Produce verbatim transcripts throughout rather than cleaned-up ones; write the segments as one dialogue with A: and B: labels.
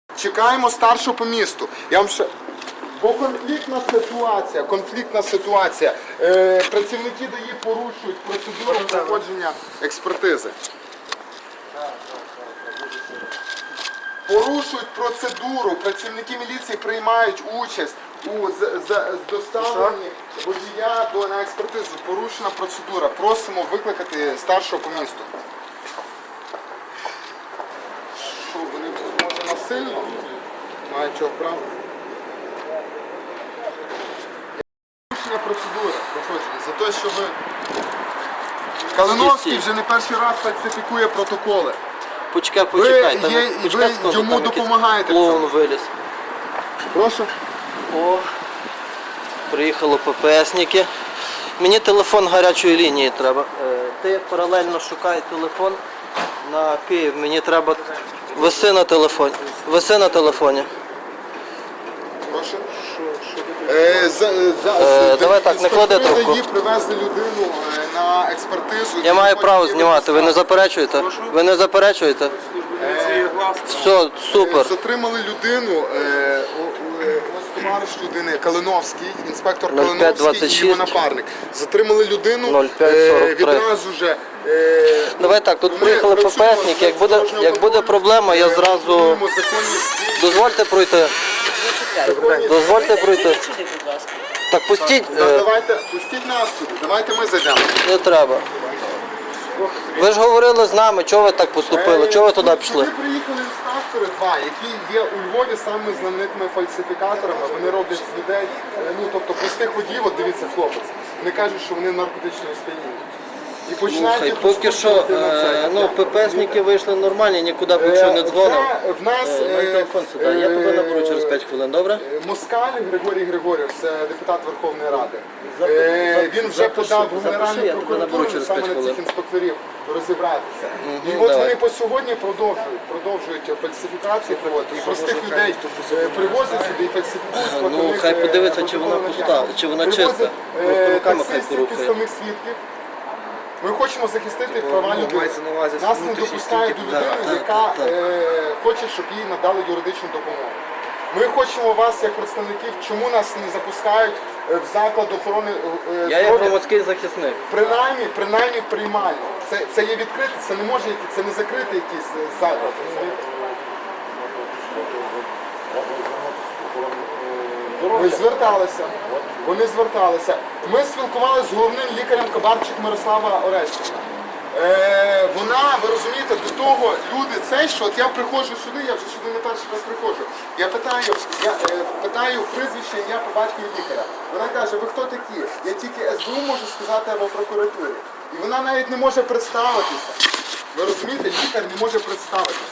A: Чекаємо старшого по місту. Я вам ще... Бо конфліктна ситуація, конфліктна ситуація. Е, працівники ДАІ порушують процедуру проходження експертизи. Порушують процедуру. Працівники міліції приймають участь у з, з, з доставленні водія до на експертизу. Порушена процедура. Просимо викликати старшого по місту. Що, вони може насильно? Мають чого права? Порушення процедури проходження. За те, що ви... Калиновський вже не перший раз фальсифікує протоколи.
B: Почекай, почекай.
A: Ви,
B: там,
A: є,
B: почекай,
A: ви
B: скажу,
A: йому
B: там якийсь
A: допомагаєте.
B: клоун виліз.
A: Прошу.
B: О, приїхали ППСники. Мені телефон гарячої лінії треба. Е, ти паралельно шукай телефон на Київ. Мені треба... Виси на телефоні. Виси на телефоні.
A: Прошу. Е, за, за,
B: Е, давай так, не клади трубку.
A: Її привезли людину е, на експертизу.
B: Я маю право знімати. Ви не заперечуєте? Ви не заперечуєте? Все, супер.
A: Затримали людину, е, о- е, ось товариш людини Калиновський, інспектор
B: нуль п'ять
A: Калиновський
B: двадцять
A: і
B: шість.
A: його напарник. Затримали людину,
B: нуль п'ять сорок три.
A: відразу же. Е,
B: Давай так, тут
A: ми
B: приїхали
A: працюємо
B: ППСники.
A: з
B: Як буде,
A: дорожнього
B: як буде
A: контролю,
B: проблема, я
A: е,
B: зразу...
A: контролюємо законність дій.
B: Дозвольте пройти. Дозвольте пройти. Так пустіть.
A: Да,
B: е,
A: Давайте, пустіть нас туди, давайте ми зайдемо.
B: Не треба. Ви ж говорили з нами, чого ви так поступили, чого ви туди пішли?
A: Сюди приїхали інспектори два, які є у Львові самими знаменитими фальсифікаторами. Вони роблять з людей, е, ну тобто простих водіїв, от дивіться хлопець, вони кажуть, що вони наркотичні сп'яніння. І починають
B: Слухай,
A: їх
B: поки що,
A: розкручувати на це.
B: е, ну, ППСники вийшли нормальні, нікуди поки що не дзвонив.
A: Це в нас
B: Е, Мій
A: е,
B: телефон сюди, я тебе наберу через п'ять хвилин, добре?
A: е, Москаль Григорій Григорів, це депутат Верховної Ради.
B: Запи-
A: Е,
B: запи-
A: Він вже
B: запиши,
A: подав в
B: запиши,
A: Генеральну
B: я тебе наберу
A: прокуратуру
B: через
A: саме
B: п'ять
A: на
B: хвилин.
A: цих інспекторів розібратися. І
B: Мгм,
A: от
B: давай.
A: вони по сьогодні продовжують, продовжують фальсифікації проводити. І простих людей е, привозять сюди і фальсифікують. проти
B: Ну,
A: них,
B: хай
A: е,
B: подивиться, чи вона
A: протоколи
B: пуста,
A: наявні.
B: чи вона
A: Привозять,
B: чиста.
A: е,
B: Просто руками хай
A: таксистів,
B: порухає.
A: підставних свідків. Ми хочемо захистити права людини.
C: мається на увазі
A: Нас не
C: внутрішні
A: допускають до
C: стільки.
A: людини,
B: Так, так,
A: яка
B: так, так.
A: е, хоче, щоб їй надали юридичну допомогу. Ми хочемо вас, як представників, чому нас не запускають е, в заклад охорони е,
B: Я є
A: здоров'я?
B: громадський захисник.
A: Принаймні, принаймні приймально. Це, це є відкрите, це не може який- це не закритий якийсь е, заклад. розумієте? Ми зверталися, вони зверталися. Ми спілкувалися з головним лікарем Кабарчик Мирослава Орестівна. Е, вона, ви розумієте, до того люди цей, що от я приходжу сюди, я вже сюди не перший раз приходжу. Я питаю, я е, питаю прізвище, ім'я по батькові лікаря. Вона каже, ви хто такі? Я тільки ес бе у можу сказати або прокуратурі. І вона навіть не може представитися. Ви розумієте, лікар не може представитися.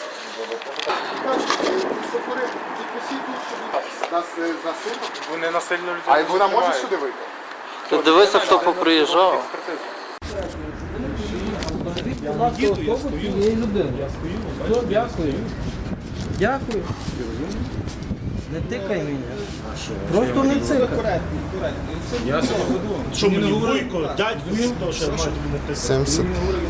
A: Нас насильно.
C: Вони насильно людей.
A: А вона може сюди вийти?
B: Ти дивися, хто поприїжджав. Дякую. Не тикай мене. Просто не тикай.
D: Що мені вуйко, дядько, що ще мають мене
A: сімдесят.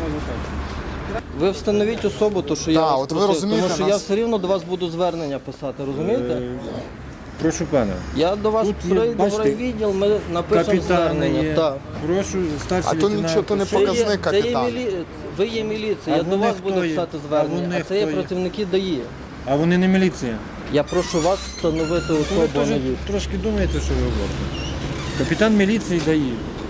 B: Ви встановіть особу, то що я
A: Так,
B: вас
A: от ви
B: просив,
A: розумієте,
B: тому що
A: нас-
B: я все рівно до вас буду звернення писати, розумієте?
E: Прошу пана.
B: Я до вас
E: Тут є,
B: прийду в
E: бачите,
B: райвідділ, ми напишемо
E: Капітан
B: звернення.
E: є.
B: Так.
E: Прошу, старший
A: А то
E: лейтенант.
A: нічого, то не
B: Це є,
A: показник
B: це є
A: капітан.
B: мілі... Ви є міліція,
E: А
B: я до
E: вони
B: вас
E: хто
B: буду
E: є?
B: писати
E: А
B: звернення,
E: вони
B: а це є
E: хто є?
B: працівники ДАІ.
E: А вони не міліція.
B: Я прошу вас встановити
E: Ви
B: особу, а
E: теж
B: не від.
E: трошки думаєте, що ви говорите. Капітан міліції дає.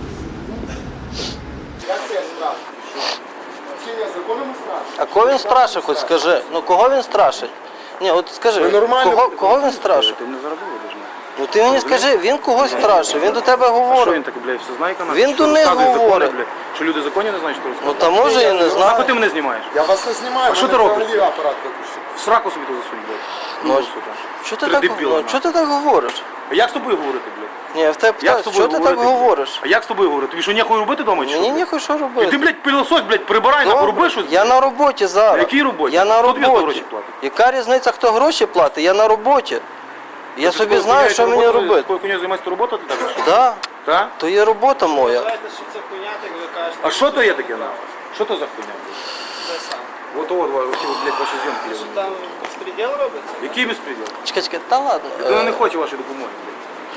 A: Як це страшно? Чим я законом страшно?
B: А кого він страшить, хоч скажи? Ну кого він страшить? Ні, от скажи,
A: Ви нормально
B: кого, кого він страшить?
C: Ти не заробив, даже.
B: Ну ти мені скажи, він когось страшить, він до тебе
C: Що він
B: говорить.
C: таке, блядь, все знає канал?
B: Він до них говорить.
C: Що люди законні не знають, що
B: Ну
C: розказують?
B: та може я не
C: Нахуй
B: знаю.
C: ти мене знімаєш?
A: Я вас не знімаю,
C: А що
A: мене
C: ти робиш?
A: взагалі апарат виключив.
C: В сраку собі то засунь, блядь.
B: Ну,
C: Ну, сука.
B: Що ти
C: Три
B: так,
C: дебіла,
B: ну,
C: нахуй.
B: що ти так говориш?
C: А як з тобою говорити, блядь?
B: Ні, я в тебе
C: Як з
B: питаю,
C: тобою
B: що ти так
C: говорити?
B: говориш?
C: А як з тобою говорити? Тобі що, ніхуй робити вдома чи що?
B: Мені
C: блядь?
B: ніхуй що
C: І ти,
B: робити.
C: блядь, пилосось, блядь, прибирай, нахуй, роби щось.
B: Я на роботі зараз.
C: На якій роботі?
B: Я на
C: Хто тобі за
B: роботі.
C: гроші платить?
B: Яка різниця, хто гроші платить? Я на роботі. Я собі
C: Такою
B: знаю,
C: хуйнею
B: що
C: ти
B: мені
C: роботу-
B: робити.
C: Такою хуйнею займаєшся робота, ти так? що?
B: Так,
C: Так?
B: то є робота моя.
C: А що то є таке, нахуй? Що то за хуйня? От от, оці, блядь, ваші зйомки.
F: Там безпреділ робиться?
C: Який безпреділ?
B: Чекай, чекай, та ладно.
C: Людина
B: е,
C: не хоче вашої допомоги, блядь.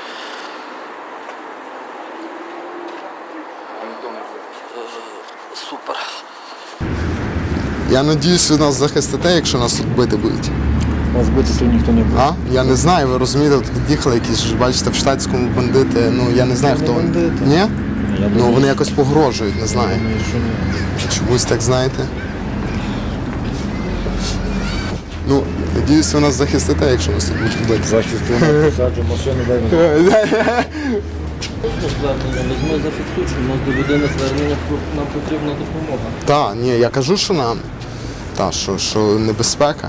B: Супер.
A: Я надіюсь, ви нас захистите, якщо нас тут бити будуть.
E: Вас бити тут ніхто не буде.
A: А? Я не знаю, ви розумієте, тут під'їхали якісь, ж, бачите, в штатському бандити, ну я не знаю,
E: Це не
A: хто вони.
E: бандити.
A: Ні?
E: Я
A: Ну
E: думаю,
A: вони якось погрожують, не знаю.
E: думаю, що ні.
A: Чомусь так знаєте. Ну, надіюсь, ви нас захистите, якщо нас тут будуть бити.
E: Захисту на посаджу машину, дай мені.
B: Звернення візьми, зафіксуй, що у нас до людини звернення, нам потрібна допомога.
A: Так, ні, я кажу, що нам. Та, що, що небезпека.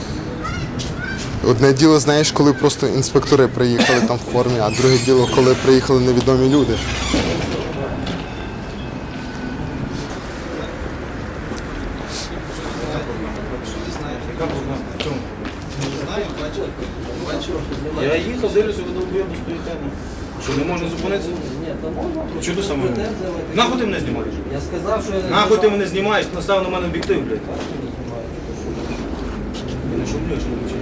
A: Одне діло, знаєш, коли просто інспектори приїхали там в формі, а друге діло, коли приїхали невідомі люди.
C: Я їхав, дивлюся, ви довбойоби стоїте. Що, не можна зупинитися?
B: Ні, то можна.
C: Чого ти саме? Нахуй ти мене знімаєш?
B: Я сказав, що я не
C: Нахуй ти мене знімаєш, настав на мене об'єктив, блядь. Я не шумлю, якщо не вчив.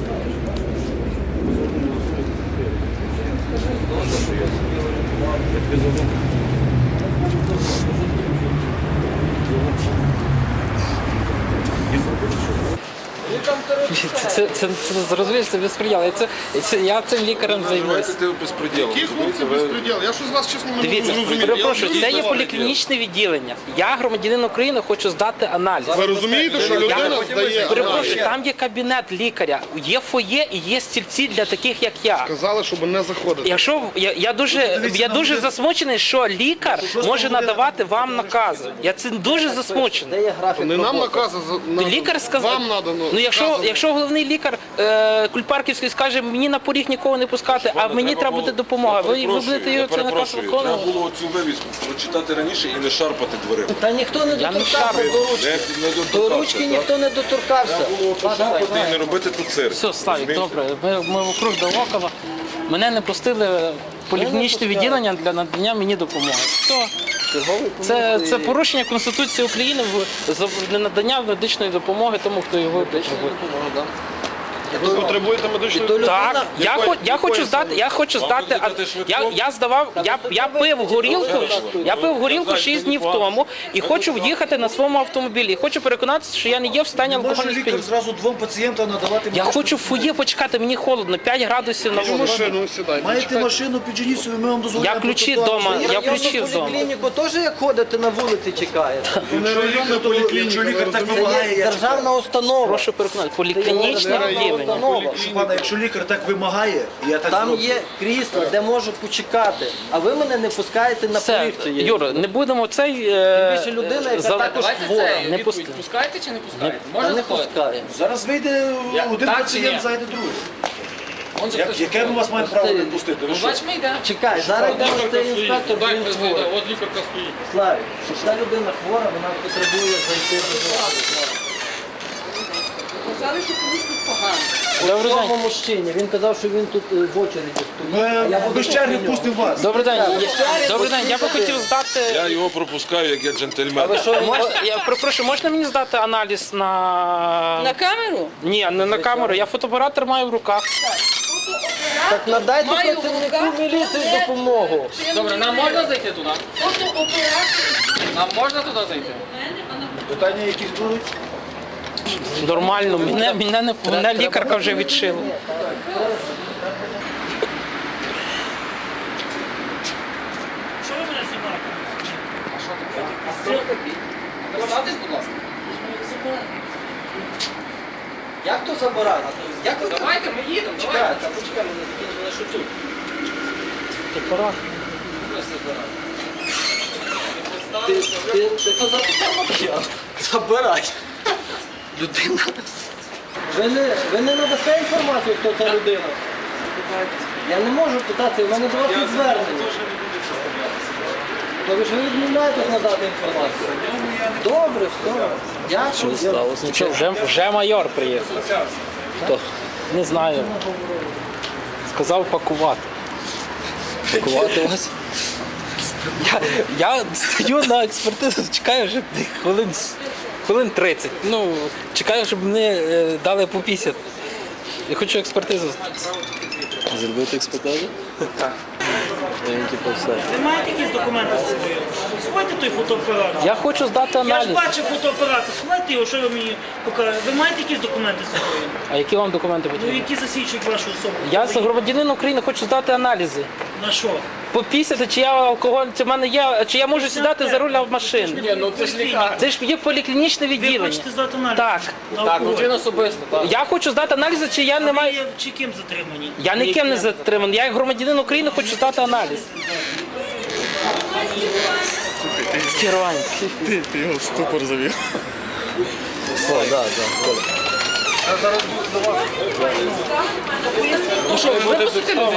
C: Я тобі зову.
F: Це, це, це розумієш, це безпреділ. Я, це, це, я цим лікарем займаюся.
G: Ти безпреділ.
A: Які хлопці безпреділ? Я що з вас чесно не
F: Дивіться, перепрошую, це є поліклінічне відділення. Я, громадянин України, хочу здати аналіз.
A: Ви розумієте, що людина здає?
F: Перепрошую, там є кабінет лікаря, є фоє і є стільці для таких, як я.
A: Сказали, щоб не заходити.
F: Якщо я, я дуже я дуже засмучений, що лікар може надавати вам накази. Я цим дуже засмучений.
B: Де є графік
A: Не нам
B: роботи?
A: накази,
F: Лікар сказав,
A: вам надано.
F: ну якщо, якщо головний лікар е, Кульпарківський скаже, мені на поріг нікого не пускати, а мені треба буде допомога. Ви, ви будете його цей наказ
G: Треба
F: виконувати?
G: було цю вивіску прочитати раніше і не шарпати дверима.
B: Та ніхто не
F: Я не
B: доторкався
F: шарпаю.
B: до ручки.
G: Не, не
B: До
G: доторкався,
B: ручки
G: так?
B: ніхто не доторкався.
G: Треба було пошарпати і не робити тут цирк.
F: Все, Славік,
G: Розумієте?
F: добре. Ми, ми вокруг Довокова. Мене не пустили в поліклінічне відділення для надання мені допомоги. Все. Це, це порушення Конституції України в за для надання медичної допомоги тому, хто його потребує.
A: Ви потребуєте медичної
F: Так, я, хо- я хочу здати, я хочу здати, а, я, я здавав, я, я пив горілку, я пив горілку шість днів тому і хочу їхати на своєму автомобілі. І хочу переконатися, що я не є в стані алкогольного сп'яніння.
H: зразу двом пацієнтам надавати
F: Я хочу в фоє почекати, мені холодно, п'ять градусів на вулиці.
A: машину сідайте.
H: Маєте машину, підженіть собі, ми вам дозволяємо.
F: Я ключі
H: протокол.
F: вдома, я
B: Я
F: ключі
B: в
F: вдома.
B: поліклініку теж як ходите на вулиці чекаєте.
H: Якщо лікар так
B: Це є
H: вимагає, я
B: державна установа.
F: Прошу переконати, поліклінічне
B: Державна
F: відділення.
B: установа.
H: Пане, якщо лікар так вимагає, я так
B: Там
H: зроблю.
B: є крісла, де можу почекати, а ви мене не пускаєте на
F: Все,
B: поріг цієї.
F: Юра, не будемо цей... е,
B: Більше людина, яка
F: за-
B: також хвора.
F: Не пусти.
I: Пускаєте чи не пускаєте?
B: Та
I: Можна
B: не
I: заходити?
B: пускає.
H: Зараз вийде один
I: так чи
H: пацієнт,
I: ні?
H: зайде другий.
I: Он же
H: Як-
I: хтось-
H: Яке ми вас маємо право не пустити? Ви
I: Ну,
H: що?
I: бач, ми йдемо.
B: Чекай, зараз йде цей інспектор,
I: Дай
B: він
I: позвоню,
B: хворий.
I: от лікарка стоїть.
B: Славі, ця людина хвора, вона потребує зайти до вас.
I: Казали, що комусь тут погано.
F: Добрий
B: Цьому
F: день.
B: мужчині, він казав, що він тут е, в очереді стоїть.
H: Ми без черги пустимо вас.
F: Добрий день. Добрий день. Я би хотів здати...
G: Я його пропускаю, як я джентльмен.
F: Можна, я перепрошую, можна мені здати аналіз на...
I: На камеру?
F: Ні, не на камеру. Я фотоапарат тримаю в руках.
B: Так надайте
I: Маю
B: працівнику
I: рука.
B: міліції допомогу.
I: Добре, нам можна зайти туди? Нам можна туди зайти?
H: Питання якісь будуть?
F: Нормально, мене, мене, не, мене лікарка вже відшила.
I: Представтесь, будь ласка.
B: Як то забирати? Як ви
I: Давайте, ми їдемо, давайте.
B: Чекай, та почекай, мене закинули шутю. Ти, ти, ти то записав? Забирай. Людина. Ви не, ви не надасте інформацію, хто ця людина? Я не можу питати, у мене до вас є звернення. Тобто ж ви відмовляєтесь надати інформацію? Добре, все. Дякую.
F: Що, вже, вже майор приїхав. Хто? Не знаю. Сказав пакувати. Пакувати вас? Я, я стою на експертизу, чекаю вже хвилин хвилин тридцять. Ну, чекаю, щоб мені е, дали по п'ятдесят. Я хочу експертизу.
C: Зробити експертизу?
F: Так.
C: Типу все.
D: Ви маєте якісь документи з собою? Сховайте той фотоапарат.
F: Я хочу здати
D: Я ж
F: аналіз.
D: бачив фотоапарат, сховайте його, що ви мені покажете. Ви маєте якісь документи з собою?
F: А які вам документи
D: Ну,
F: потрібні?
D: які засвідчують вашу особу?
F: Я за громадянин України хочу здати аналізи.
D: На що?
F: Попісяти, чи я алкоголь, чи в мене є, чи я можу сідати за руль машини.
D: Ні, ну це ж лікар.
F: Це ж є поліклінічне
D: Ви
F: відділення.
D: хочете здати аналіз?
F: Так.
D: На
I: Так,
D: алкоголь?
I: ну він особисто, так.
F: Я хочу здати аналізи, чи я не
D: Ви
F: маю.
D: є чи ким затримані?
F: Я ніким не затриманий. Я як громадянин України хочу здати аналіз. Скерування.
H: Ти, ти його в ступор завів.
B: О, да, да.
F: Ну що, ви випустите людину?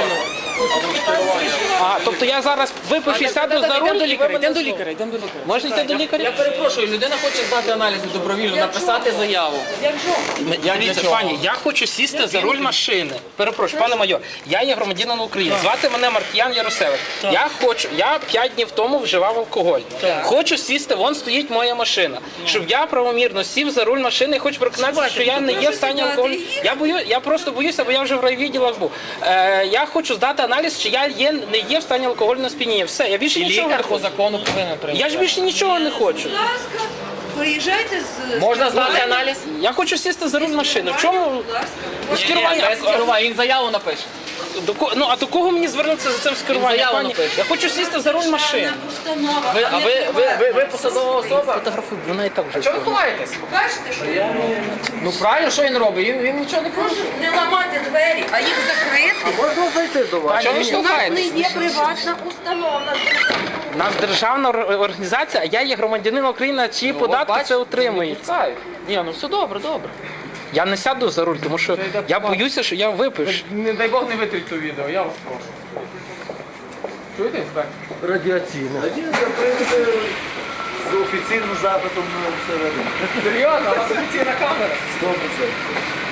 F: А, тобто я зараз випишу і сяду за руль?
I: Йдемо до лікаря, йдемо до лікаря, йдемо до лікаря.
F: Можна йти до
I: Я
F: лікаря?
I: перепрошую, людина хоче здати аналізи добровільно, написати заяву.
F: Я, дивіться, пані, я хочу сісти за руль машини. Перепрошую, пане майор, я є громадянин України. Звати мене Маркіян Яросевич. Я хочу, я п'ять днів тому вживав алкоголь. Хочу сісти, вон стоїть моя машина. Щоб я правомірно сів за руль машини і хочу переконатися, що я не є в стані алкоголю. Я бою, я просто боюся, бо я вже в райвідділах був. Е, я хочу здати аналіз, чи я є, не є в стані алкогольного сп'яніння. Все, я більше нічого не
I: Лікар по
F: хочу.
I: закону повинен прийняти.
F: Я ж більше нічого не хочу.
J: Будь ласка, приїжджайте з...
I: Можна здати аналіз?
F: Я хочу сісти за руль машини. В чому?
J: Будь ласка.
F: Ну, скерування.
I: Без скерування, він заяву напише.
F: До ко- ну а до кого мені звернутися за цим скеруванням?
I: заяву
F: Пані?
I: напише.
F: Я хочу сісти за руль машини.
J: Установа.
I: Ви, а ви, ви, ви, ви посадова особа?
F: Фотографуй, вона і так вже.
I: Чого ви ховаєтесь?
J: Бачите, що я
I: Ну правильно, що він робить? Він, він нічого не порушує.
J: не ламати двері, а їх закрити.
F: Можна зайти до вас? Чого ви
J: У нас не
F: штовхаєтесь?
J: є приватна установа.
F: У нас державна ор- організація, а я є громадянин України, чиї податки це отримують.
I: Ні, ну все добре, добре.
F: Я не сяду за руль, тому що я боюся, що я випив.
I: Не дай Бог не витріть то відео, я вас прошу. Чуєте, інспектор?
F: Радіаційне.
H: З офіційним запитом на всередині.
I: Серйозно, у вас офіційна камера?
H: сто процентів.